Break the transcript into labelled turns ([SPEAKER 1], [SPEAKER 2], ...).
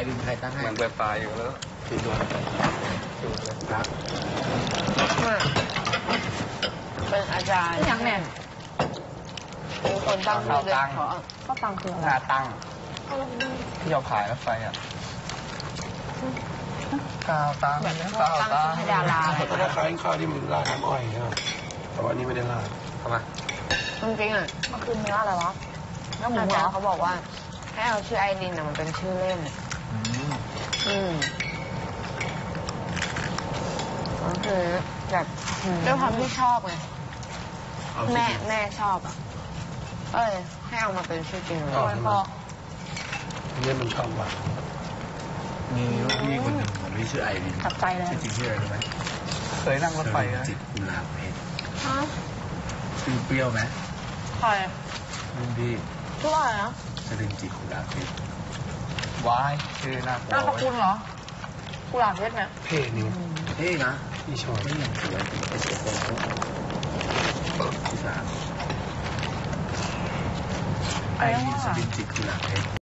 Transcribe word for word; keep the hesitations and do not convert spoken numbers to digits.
[SPEAKER 1] ดินใครตั้งให้
[SPEAKER 2] มันไปปลายอยู่แล้วสี่ตัวสี่ตัวครับ
[SPEAKER 3] เป็นอาจารย์
[SPEAKER 4] อย่างแน่
[SPEAKER 3] เป็นคนตั้งชื่อเลยขอ
[SPEAKER 4] ก็ตังคืออะไร
[SPEAKER 2] หน้าตั้งที่เราขายรถไฟอ่ะข้าวตั้งแบบข้าวตั้ง
[SPEAKER 3] ให้ดาราอะไร
[SPEAKER 2] ก็ได้ขายข้าวที่มันราดน้ำอ้อยครับแต่ว่านี่ไม่ได้ราดทำไม
[SPEAKER 3] จริงๆอ่ะ
[SPEAKER 4] มันคือเนื้ออะไรวะเนื้อหมูเหรอ
[SPEAKER 3] เขาบอกว่าให้เอาชื่อไอรินมันเป็นชื่อเล่นอืมก็คือแบบด้วยความที่ชอบไงแม่แม่ชอบอ่ะเอ้ยให้เอามาเป็นชื่อจริงเลยพอ
[SPEAKER 2] เนี่ยมันชอบว่ะ
[SPEAKER 1] มีลูกพี่คนหนึ่งผมที่ชื่อไอริน
[SPEAKER 4] จับใจเลย
[SPEAKER 1] จริงๆชื่ออะไรรู้ไหม
[SPEAKER 2] เคยนั่งรถไฟนะ
[SPEAKER 1] จิตกุหลาบเพชร
[SPEAKER 3] ฮะ
[SPEAKER 1] ชื่อเปรี้ยวไหม
[SPEAKER 3] ใคร
[SPEAKER 1] รุ่นพี่
[SPEAKER 3] ชื่ออะไรนะ
[SPEAKER 1] สรินจิตกุหลาบเพชร
[SPEAKER 2] วายชื่อน่ากลัว
[SPEAKER 4] นามสกุลเหรอกุหลาบเพชรเนี่ย
[SPEAKER 2] เท่นี่
[SPEAKER 1] เท่นะ
[SPEAKER 2] พี่ชอบ
[SPEAKER 1] ไม่ยังสวยเป็นเจ้าของที่สามไอรินสรินจิตกุหลาบเพชร